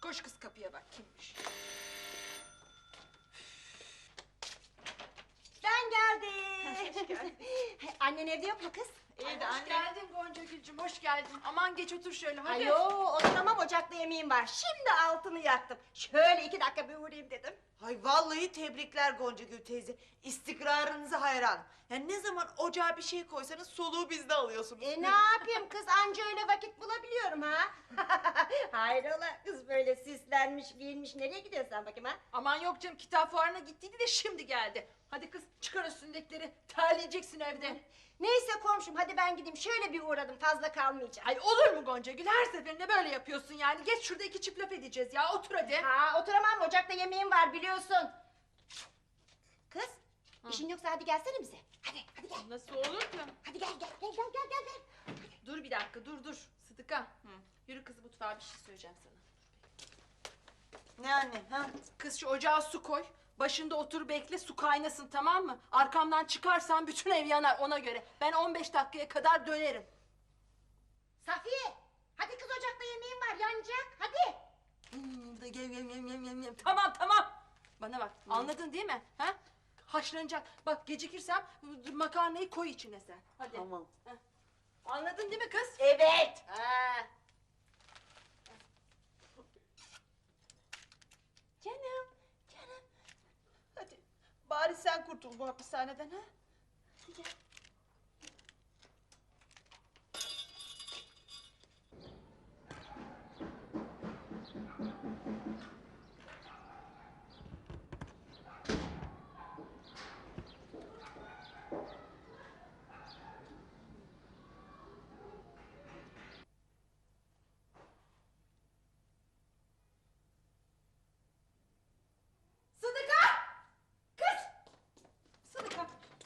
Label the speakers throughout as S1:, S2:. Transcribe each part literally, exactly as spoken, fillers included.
S1: Koş kız kapıya bak kimmiş.
S2: Ben geldim. Hoş geldin. Annen evde yok mu kız?
S1: İyi de hoş geldin Gonca Gülcüm, hoş geldin. Aman geç otur şöyle hadi.
S2: Ayo oturamam, ocakta yemeğim var. Şimdi altını yaktım. Şöyle iki dakika bir uğrayayım dedim.
S3: Hay vallahi tebrikler Goncagül teyze. İstikrarınıza hayranım. Yani ne zaman ocağa bir şey koysanız soluğu bizde alıyorsunuz.
S2: E ne yapayım kız, anca öyle vakit bulabiliyorum ha. Hayrola kız, böyle süslenmiş giyinmiş, nereye gidiyorsun sen bakayım ha?
S1: Aman yok canım, kitap fuarına gittiydi de şimdi geldi. Hadi kız çıkar üstündekileri, terleyeceksin evde.
S2: Neyse komşum, hadi ben gideyim, şöyle bir uğradım, fazla kalmayacağım.
S1: Ay olur mu Gonca Gül, her seferinde böyle yapıyorsun yani. Geç şurada iki çift laf edeceğiz ya, otur hadi.
S2: Ha oturamam, ocakta yemeğim var biliyorsun. Kız,
S1: Hı.
S2: işin yoksa hadi gelsene bize. Hadi, hadi gel.
S1: Nasıl olur ki?
S2: Hadi gel, gel, gel, gel, gel, gel. gel.
S1: Dur bir dakika, dur dur. Sıdıka, yürü kız mutfağa, bir şey söyleyeceğim sana.
S3: Ne anne? Ha?
S1: Kız şu ocağa su koy. Başında otur bekle, su kaynasın, tamam mı? Arkamdan çıkarsan bütün ev yanar, ona göre. Ben on beş dakikaya kadar dönerim.
S2: Safiye, hadi kız, ocakta yemeğim var, yanacak, hadi.
S1: Hmm, da gel, gel, gel, gel, gel, gel. Tamam tamam. Bana bak, anladın değil mi? Ha? Haşlanacak. Bak gecikirsem makarnayı koy içine sen. Hadi.
S3: Tamam.
S1: Ha. Anladın değil mi kız?
S2: Evet.
S1: Ha.
S3: Canım, canım. Hadi bari sen kurtul bu hapishaneden ha. Hadi gel.
S1: Sıdıka! Kız! Sıdıka!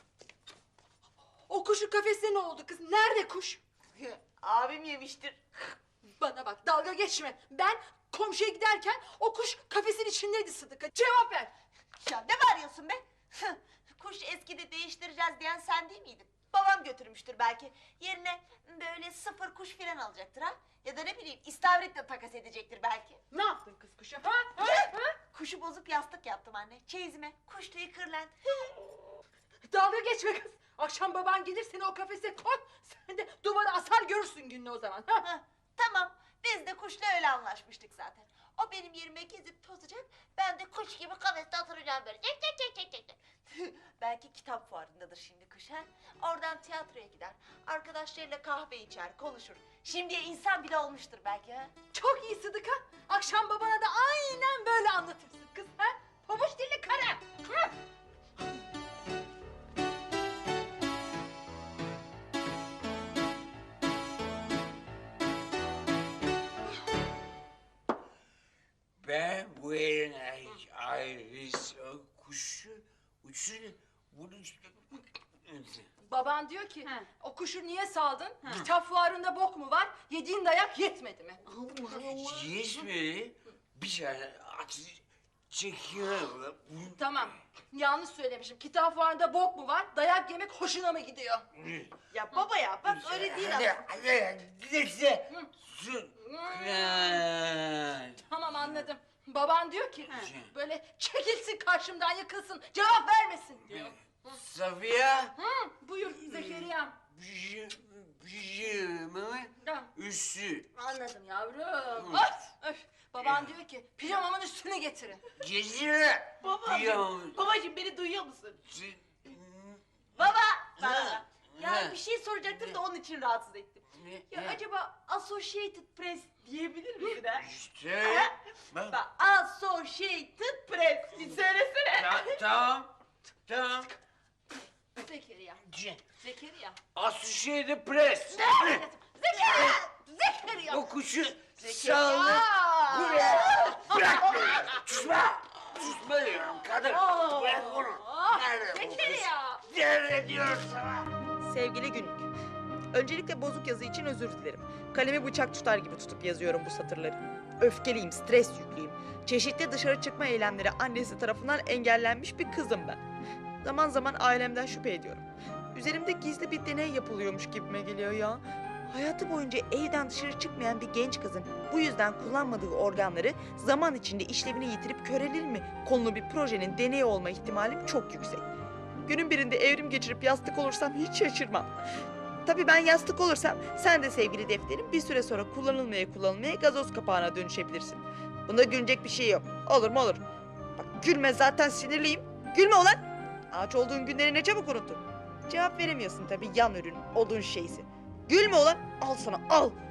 S1: O kuşun kafesine ne oldu kız? Nerede kuş?
S3: Abim yemiştir.
S1: Bana bak, dalga geçme. Ben komşuya giderken o kuş kafesin içindeydi Sıdıka. Cevap ver.
S3: Ya ne bağırıyorsun be? Kuş eskidi, değiştireceğiz diyen sen değil miydin? Babam götürmüştür belki. Yerine böyle sıfır kuş filan alacaktır ha. Ya da ne bileyim istavritle takas edecektir belki.
S1: Ne yaptın kız kuşa? Ha? Ha? Ha?
S3: Kuşu bozup yastık yaptım anne. Çeyizime kuş tüyü kırlent.
S1: Dalga geçme kız. Akşam baban gelir, seni o kafese koy. Sen de duvara asar, görürsün gününü o zaman. Ha?
S3: Hah, tamam, biz de kuşla öyle anlaşmıştık zaten. O benim yerime gezip tozacak, ben de kuş gibi kafeste oturacağım böyle. Cek cek cek cek cek cek. Belki kitap fuarındadır şimdi kuş ha. Oradan tiyatroya gider, arkadaşlarıyla kahve içer, konuşur. Şimdiye insan bile olmuştur belki ha.
S1: Çok iyi Sıdıka. Akşam babana da aynen böyle anlatırsın kız. Ha? Pabuç dilli karı. Ha?
S4: Ben Buenos Aires kuşu uçuyor. Bunu
S1: Baban diyor ki, o kuşu niye saldın? Kitap fuarında bok mu var? Yediğin dayak yetmedi mi?
S4: yetmedi. Bir tane at çekiyor.
S1: Tamam, yanlış söylemişim. Kitap fuarında bok mu var? Dayak yemek hoşuna mı gidiyor?
S3: Ya baba ya, bak öyle değil
S4: Hadi,
S3: aslında.
S4: hadi, hadi. Su. Kral.
S1: Tamam, anladım. Baban diyor ki, böyle çekilsin karşımdan, yıkılsın, cevap vermesin diyor.
S4: Safiye.
S1: Hı, buyur Zekeriya.
S4: Pijamamın
S1: Ha,
S4: üstü.
S1: anladım yavrum. Öf, öf. Baban diyor ki, pijamamın üstünü getirin.
S4: Gezire.
S3: Babacığım, babacığım beni duyuyor musun?
S4: Baba.
S3: Baba!
S4: Ha,
S3: Ya
S4: ha.
S3: bir şey soracaktım da onun için rahatsız ettim. Ya
S4: Ne?
S3: acaba Associated Press diyebilir misin ha?
S4: İşte. Bak.
S3: Bak, Associated Press, bir söylesene.
S4: Ta- Tamam. Tamam.
S1: Zekeriya,
S4: Ce-
S1: Zekeriya.
S4: Associated Press.
S1: Zekeriya! Zekeriya!
S4: O kuşu saldı.
S1: Aa!
S4: Buraya. Bırak beni. Susma. Susma diyorum kadın.
S1: Aa!
S4: Bırak onu.
S1: Ah,
S4: Nerede bu kız?
S1: Zekeriya!
S4: Nerede diyorum sana?
S5: Sevgili günlük. Öncelikle bozuk yazı için özür dilerim. Kalemi bıçak tutar gibi tutup yazıyorum bu satırları. Öfkeliyim, stres yüklüyüm. Çeşitli dışarı çıkma eylemleri annesi tarafından engellenmiş bir kızım ben. Zaman zaman ailemden şüphe ediyorum. Üzerimde gizli bir deney yapılıyormuş gibime geliyor ya. Hayatı boyunca evden dışarı çıkmayan bir genç kızın bu yüzden kullanmadığı organları zaman içinde işlevini yitirip körelir mi konulu bir projenin deneyi olma ihtimalim çok yüksek. Günün birinde evrim geçirip yastık olursam hiç şaşırmam. Tabii ben yastık olursam sen de sevgili defterim bir süre sonra kullanılmaya kullanılmaya gazoz kapağına dönüşebilirsin. Bunda gülecek bir şey yok. Olur mu olur. Bak gülme, zaten sinirliyim. Gülme ulan. Ağaç olduğun günleri ne çabuk unuttun. Cevap veremiyorsun tabii, yan ürün, odun şeysi. Gülme ulan. Al sana al.